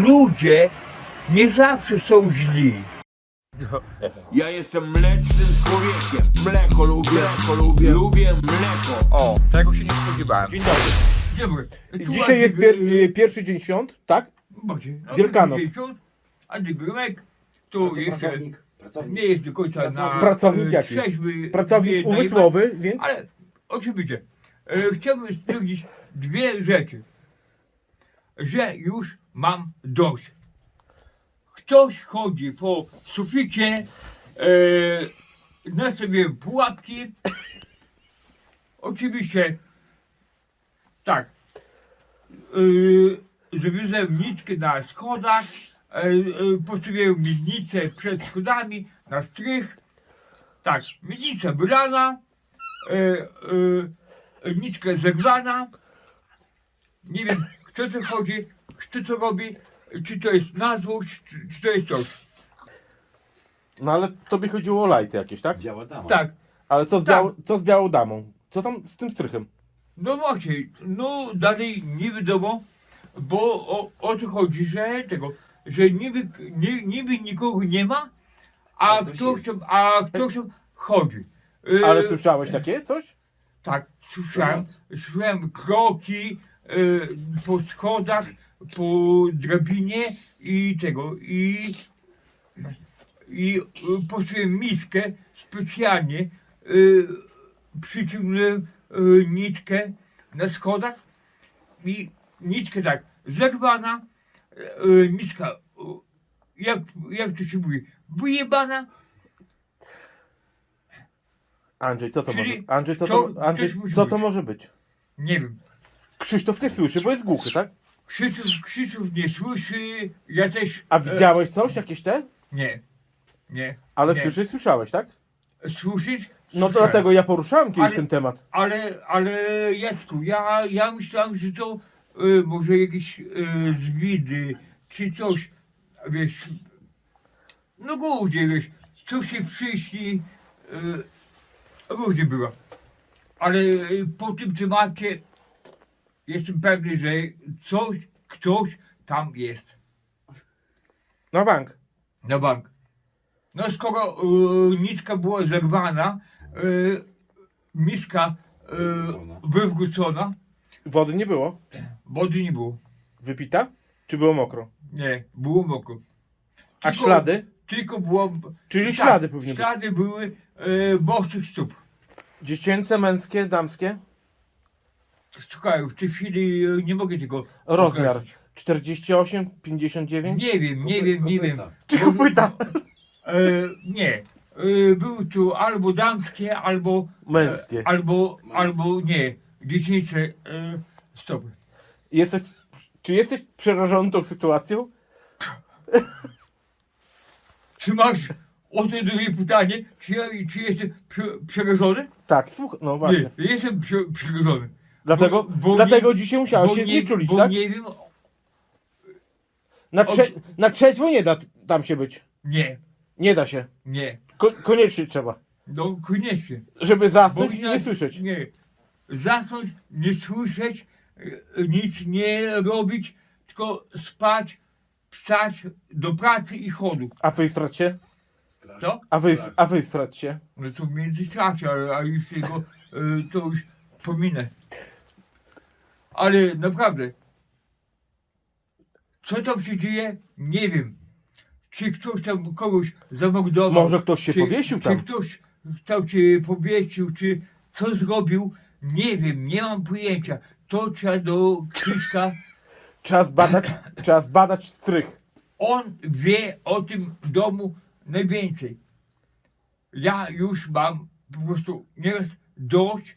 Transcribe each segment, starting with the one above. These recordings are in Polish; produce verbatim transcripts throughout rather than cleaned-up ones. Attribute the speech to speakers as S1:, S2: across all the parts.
S1: ludzie nie zawsze są źli.
S2: Ja jestem mlecznym człowiekiem. Mleko lubię, mleko lubię, lubię mleko.
S1: O, tego się nie spodziewałem.
S3: Dzień dobry.
S1: Dzień dobry. Tu
S3: Dzisiaj jest
S1: Andrzej,
S3: pier y, pierwszy dzień świąt, tak?
S1: Boże, no,
S3: Wielkanoc.
S1: Wielkanoc. Andrzej Grymek, to jeszcze
S4: Pracownik. Pracownik.
S1: nie jest do końca na
S3: Pracownik
S1: e,
S3: jaki?
S1: trzeźwy,
S3: Pracownik
S1: nie, na
S3: umysłowy, więc
S1: Ale oczywiście, e, chciałbym stwierdzić dwie rzeczy. Że już mam dość. Ktoś chodzi po suficie, e, nastawiłem pułapki. Oczywiście, tak, e, zawiozłem nitkę na schodach, e, e, postawiłem miednicę przed schodami na strych. Tak, miednica wylana, e, e, nitka zerwana. Nie wiem, kto to chodzi, kto to robi, czy to jest na złość, czy, czy to jest coś.
S3: no ale tobie chodziło o lajty jakieś, tak?
S4: Biała dama.
S1: Tak,
S3: Ale co z,
S1: Tak.
S3: biał, co z białą damą? Co tam z tym strychem?
S1: no właśnie, no dalej nie wiadomo, bo o, o to chodzi, że tego, że niby, nie, niby nikogo nie ma, a
S4: Ale ktoś
S1: ktoś
S4: jest.
S1: tam, a ktoś tam chodzi. E,
S3: Ale słyszałeś takie coś?
S1: Tak, słyszałem, słyszałem kroki e, po schodach, po drabinie i tego, i, i e, postawiłem miskę specjalnie, e, przyciągnąłem e, nitkę na schodach i nitkę tak zerwana, e, miska, e, jak, jak to się mówi, wyjebana.
S3: Andrzej, co to
S1: Czyli
S3: może? Andrzej, co
S1: kto-
S3: to, Andrzej,
S1: ktoś musi
S3: co to
S1: być.
S3: może być?
S1: Nie wiem.
S3: Krzysztof nie słyszy, bo jest głuchy, tak?
S1: Krzysztof, Krzysztof nie słyszy, ja też...
S3: A
S1: e,
S3: widziałeś coś, jakieś te?
S1: Nie, nie.
S3: Ale
S1: nie.
S3: słyszeć słyszałeś, tak?
S1: Słyszeć?
S3: No to
S1: Słyszałem.
S3: dlatego ja poruszałem kiedyś
S1: Ale-
S3: ten temat.
S1: Ale, ale Jacku, ja, ja myślałem, że to e, może jakieś e, zwidy, czy coś, wiesz... No głównie, wiesz, coś się przyśni, e, różnie było. Ale e, po tym temacie jestem pewny, że coś, ktoś tam jest.
S3: Na bank.
S1: Na bank. No skoro y, nitka była zerwana, y, miska y,
S4: Wywrócona.
S1: wywrócona,
S3: Wody nie było.
S1: wody nie było.
S3: Wypita? Czy było mokro?
S1: Nie, było mokro.
S3: A
S1: Tylko-
S3: ślady?
S1: Tylko było...
S3: Czyli
S1: tak,
S3: ślady powinny być.
S1: Ślady były y, bosych stóp.
S3: Dziecięce, męskie, damskie?
S1: Słuchaj, w tej chwili y, nie mogę tego
S3: Rozmiar
S1: określić.
S3: czterdzieści osiem, pięćdziesiąt dziewięć?
S1: Nie wiem, nie wiem, nie wiem.
S3: Czy kopyta?
S1: E, nie. E, były tu albo damskie, albo...
S3: Męskie.
S1: E, albo,
S4: Męskie.
S1: albo nie. Dziecięce e, stopy.
S3: Jesteś, czy jesteś przerażony tą sytuacją?
S1: Czy masz o to drugie pytanie? Czy, ja, czy jestem prze, przerażony?
S3: Tak, słuchaj, no właśnie.
S1: Nie, jestem prze, przerażony.
S3: Dlatego,
S1: bo- bo
S3: dlatego
S1: nie-
S3: dzisiaj musiałeś
S1: bo
S3: się
S1: nie,
S3: znieczulić,
S1: bo
S3: tak?
S1: nie wiem...
S3: Na, trze, na trzeźwo nie da tam się być.
S1: Nie,
S3: Nie da się.
S1: nie.
S3: Ko, koniecznie trzeba.
S1: No koniecznie.
S3: Żeby zasnąć i
S1: Bo
S3: nie słyszeć.
S1: Nie. Zasnąć, nie słyszeć, e, nic nie robić, tylko spać, wstać do pracy i chodu.
S3: A wystrać się?
S4: Strasznie.
S1: To?
S3: A, wy,
S4: Tak.
S3: a wystrać się?
S1: No to w międzyczasie, ale a już jego e, to już pominę. Ale naprawdę, co tam się dzieje, nie wiem. Czy ktoś tam kogoś zamordował?
S3: Może ktoś się
S1: czy,
S3: powiesił
S1: czy
S3: tam?
S1: ktoś tam cię powiesił, czy co zrobił? Nie wiem, nie mam pojęcia. To trzeba do Krzyśka.
S3: Trzeba zbadać, trzeba zbadać strych.
S1: On wie o tym domu najwięcej. Ja już mam po prostu nieraz dość.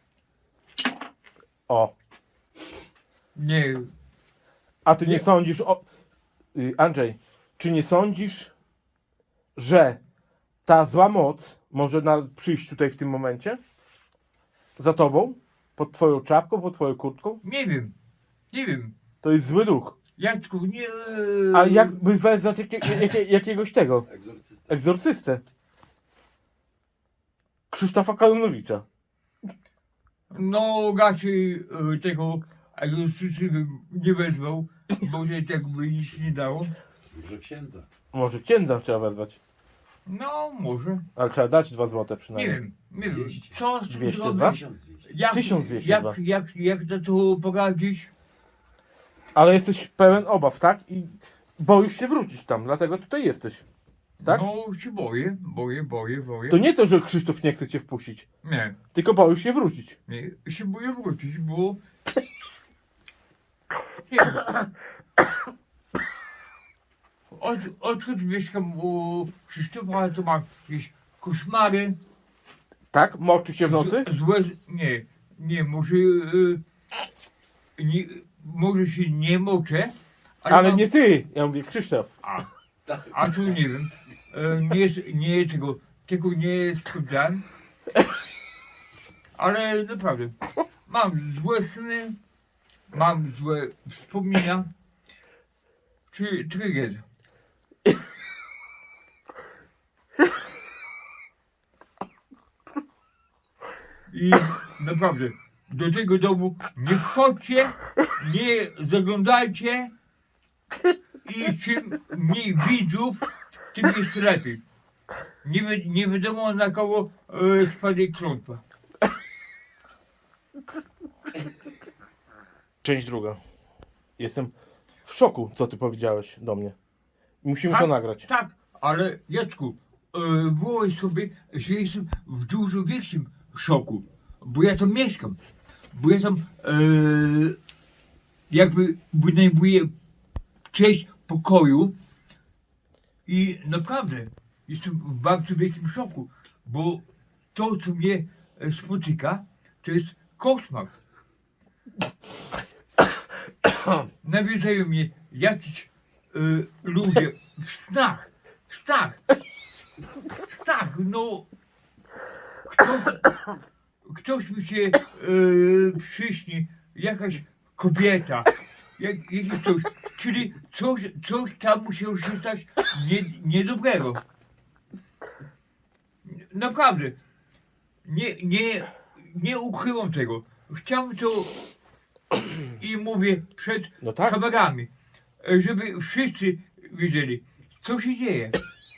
S3: O.
S1: Nie,
S3: A ty nie,
S1: Nie.
S3: sądzisz o... Y, Andrzej, czy nie sądzisz, że ta zła moc może na, przyjść tutaj w tym momencie? Za tobą? Pod twoją czapką, pod twoją kurtką?
S1: nie wiem. Nie wiem.
S3: To jest zły duch.
S1: Jacku, nie.
S3: A jakby wezwać jakie, jakie, jakiegoś tego,
S4: Egzorcysta.
S3: egzorcystę? Krzysztofa Kalonowicza.
S1: No raczej e, tego egzorcysty bym nie wezwał, bo że tak by nic nie dało.
S4: Może księdza.
S3: Może księdza trzeba wezwać.
S1: No, może.
S3: Ale trzeba dać dwa złote
S1: Nie
S3: przynajmniej.
S1: wiem, nie wiem.
S4: Dwieście.
S1: Co z tym
S3: Dwieście
S1: zrobić?
S3: dwa?
S4: tysiąc dwieście.
S1: Jak,
S3: tysiąc dwieście
S1: jak,
S3: dwa.
S1: jak, jak na to poradzić?
S3: Ale jesteś pełen obaw, tak? I boisz się wrócić tam, dlatego tutaj jesteś. Tak?
S1: No się boję, boję, boję, boję.
S3: To nie to, że Krzysztof nie chce cię wpuścić,
S1: Nie,
S3: tylko boisz się wrócić.
S1: nie, się boję wrócić, bo... Nie wiem. Od, odkąd mieszkam u Krzysztofa, to mam jakieś koszmary.
S3: Tak? Moczy się w nocy?
S1: Z, złe, z- nie, nie, może... y, nie, może się nie moczę, ale,
S3: Ale
S1: mam,
S3: nie ty, ja mówię Krzysztof.
S1: A,
S4: Tak.
S1: a to nie wiem. E, Nie, nie tego, tego nie sprawdzałem. Ale naprawdę, mam złe sny, mam złe wspomnienia. Czy trigger. I naprawdę, do tego domu nie wchodźcie, nie zaglądajcie. I czym mniej widzów, tym jest lepiej. Nie, wi- nie wiadomo na kogo e, spadnie klątwa.
S3: Część druga. Jestem w szoku, co ty powiedziałeś do mnie. Musimy to
S1: Tak,
S3: nagrać.
S1: Tak, ale Jacku, e, wyobraź sobie, że jestem w dużo większym szoku, bo ja tam mieszkam, bo ja tam e, jakby wynajmuję część pokoju i naprawdę jestem w bardzo wielkim szoku, bo to, co mnie e, spotyka, to jest koszmar. Nawiedzają mnie jacyś e, ludzie w snach, w snach, w snach, no ktoś, ktoś mi się e, przyśni, jakaś kobieta, jak, jakiś coś, czyli coś, coś tam musiało się stać nie, niedobrego. Naprawdę, nie, nie, nie ukryłam tego. Chciałem to i mówię przed
S3: No tak.
S1: kamerami, e, żeby wszyscy wiedzieli, co się dzieje.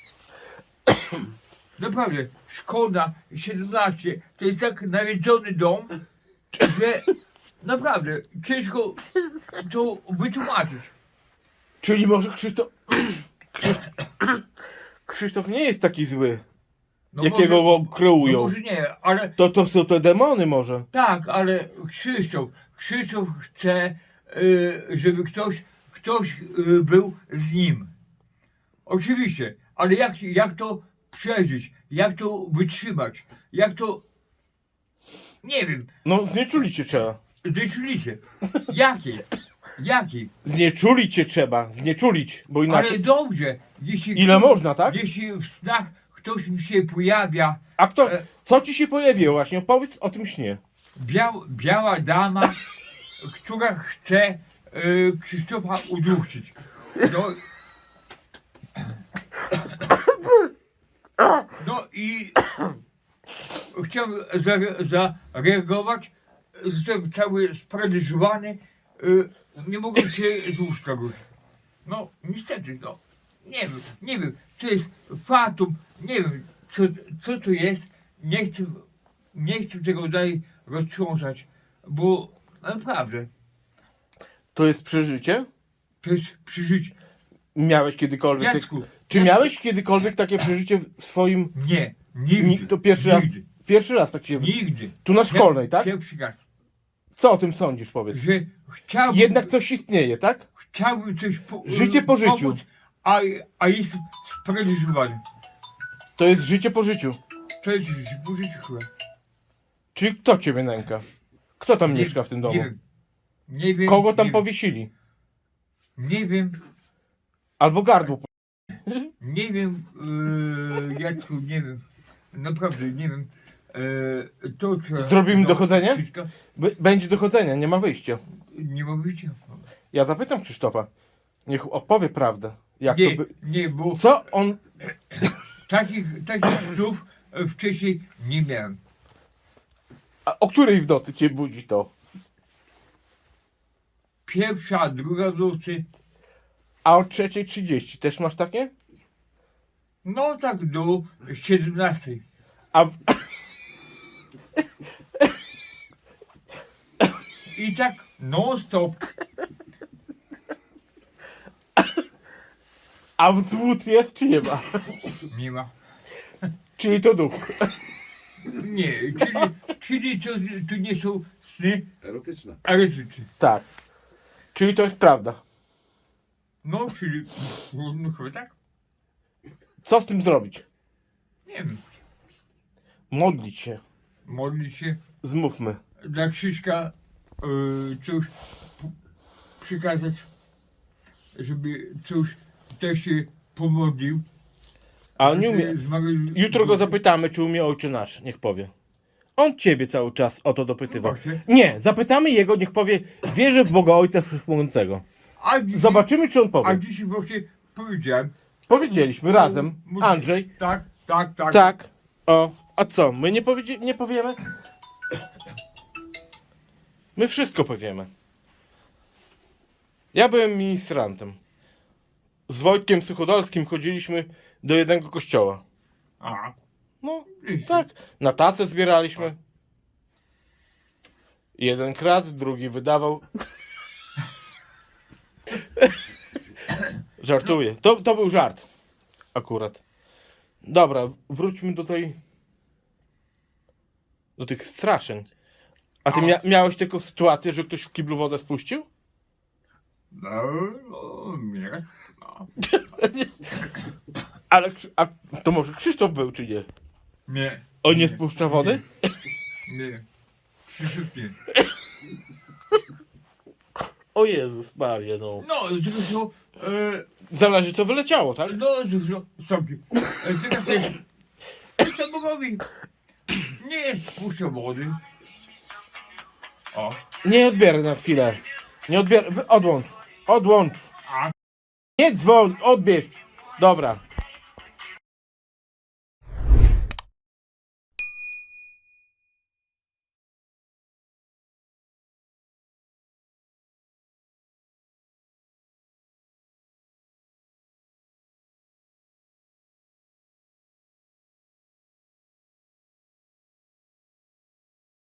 S1: Naprawdę, szkoda, siedemnaście, to jest tak nawiedzony dom, że naprawdę ciężko to wytłumaczyć.
S3: Czyli może Krzysztof... Krzysztof... Krzysztof nie jest taki zły,
S1: No
S3: jakiego
S1: może,
S3: go kreują.
S1: no może nie, ale
S3: To, to są te demony może.
S1: tak, ale Krzysztof, Krzysztof chce, y, żeby ktoś, ktoś y, był z nim. Oczywiście, ale jak, jak to przeżyć, jak to wytrzymać, jak to, nie wiem,
S3: No znieczulić cię trzeba.
S1: zdecyduję, jakiej, jakiej,
S3: Znieczulić cię trzeba, znieczulić, bo
S1: ale
S3: inaczej...
S1: dobrze, jeśli,
S3: Ile można, tak?
S1: jeśli w snach ktoś mi się pojawia,
S3: A kto...
S1: E-
S3: Co ci się pojawiło właśnie? Opowiedz o tym śnie.
S1: biał, biała dama, która chce y, Krzysztofa udusić. No, no i chciałem za- zareagować, jestem cały sparaliżowany, y, nie mogę się z łóżka ruszyć. No niestety, no nie wiem, nie wiem, to jest fatum, nie wiem co, co to jest, nie chcę, nie chcę tego dalej roztrząsać, bo naprawdę
S3: To jest przeżycie?
S1: to jest przeżycie.
S3: Miałeś kiedykolwiek...
S1: Jacku,
S3: Czy
S1: Jacku,
S3: miałeś kiedykolwiek takie przeżycie w swoim...
S1: Nie, nigdy.
S3: Ni- To pierwszy raz,
S1: nigdy,
S3: pierwszy raz tak się...
S1: Nigdy.
S3: Tu na szkolnej, tak?
S1: Pierwszy raz.
S3: Co o tym sądzisz, powiedz?
S1: Że chciałbym,
S3: Jednak coś istnieje, tak?
S1: chciałbym coś po,
S3: Życie po życiu.
S1: pomóc, a, a jestem sparaliżowany.
S3: To jest życie po życiu.
S1: To jest życie po życiu chyba.
S3: Czy kto ciebie nęka? Kto tam
S1: Nie-
S3: mieszka w tym domu?
S1: Nie wiem. Nie wiem.
S3: Kogo tam
S1: nie
S3: powiesili?
S1: Wiem. Nie wiem.
S3: Albo gardło.
S1: Nie wiem. Yy, Jacku, nie wiem. Naprawdę nie wiem. Yy, to trzeba...
S3: Zrobimy
S1: no,
S3: dochodzenie?
S1: wszystko.
S3: B- Będzie dochodzenia, nie ma wyjścia.
S1: Nie ma wyjścia.
S3: Ja zapytam Krzysztofa. Niech opowie prawdę. Jak
S1: Nie,
S3: to by...
S1: nie, bo
S3: Co on...
S1: takich, takich snów e, wcześniej nie miałem.
S3: A o której w nocy cię budzi to?
S1: pierwsza, druga w nocy.
S3: A o trzeciej trzydzieści też masz takie?
S1: No tak do siedemnastej.
S3: A w...
S1: I tak non stop.
S3: A wzwód jest czy nie ma?
S1: Nie ma.
S3: Czyli to duch.
S1: Nie, czyli, czyli to, to nie są sny
S4: Erotyczne.
S1: erotyczne.
S3: Tak. Czyli to jest prawda.
S1: No, czyli, no, no chyba tak?
S3: Co z tym zrobić?
S1: Nie wiem.
S3: Modlić się.
S1: Modlić się
S3: Zmówmy.
S1: dla Krzyśka y, coś p- przekazać, żeby coś też się pomodlił.
S3: A on nie umie.
S1: Zmarł-
S3: Jutro go zapytamy, czy umie Ojcze Nasz. Niech powie. On ciebie cały czas o to dopytywał.
S1: Właśnie.
S3: Nie, zapytamy jego, niech powie, wierzę w Boga Ojca Wszechmogącego.
S1: A dzisiaj,
S3: Zobaczymy, czy on
S1: a
S3: powie.
S1: dzisiaj właśnie powiedziałem.
S3: Powiedzieliśmy razem.
S1: Mu-
S3: Andrzej.
S1: Tak, tak, tak.
S3: Tak. O, a co? My nie, powiedzie- nie powiemy? My wszystko powiemy. Ja byłem ministrantem. Z Wojtkiem Suchodolskim chodziliśmy do jednego kościoła.
S1: A,
S3: No,
S1: wiecie.
S3: tak. Na tacę zbieraliśmy. Jeden kradł, drugi wydawał. Żartuję. To, to był żart. Akurat. Dobra, wróćmy do tej... Do tych straszeń. A ty mia- miałeś taką sytuację, że ktoś w kiblu wodę spuścił?
S1: No, no, nie. No.
S3: Ale Krzy- a to może Krzysztof był, czy nie?
S1: Nie.
S3: On nie spuszcza wody?
S1: Nie. Krzysiek nie.
S3: O Jezus Maria, no.
S1: No, zresztą, e,
S3: Zależy co wyleciało, tak?
S1: no, zresztą, sobie. E, teraz też, co Bogowi nie jest puszczą wody. O,
S3: Nie odbieraj na chwilę. Nie odbieraj. Wy- Odłącz. Odłącz.
S1: A?
S3: Nie dzwoń, odbierz. Dobra.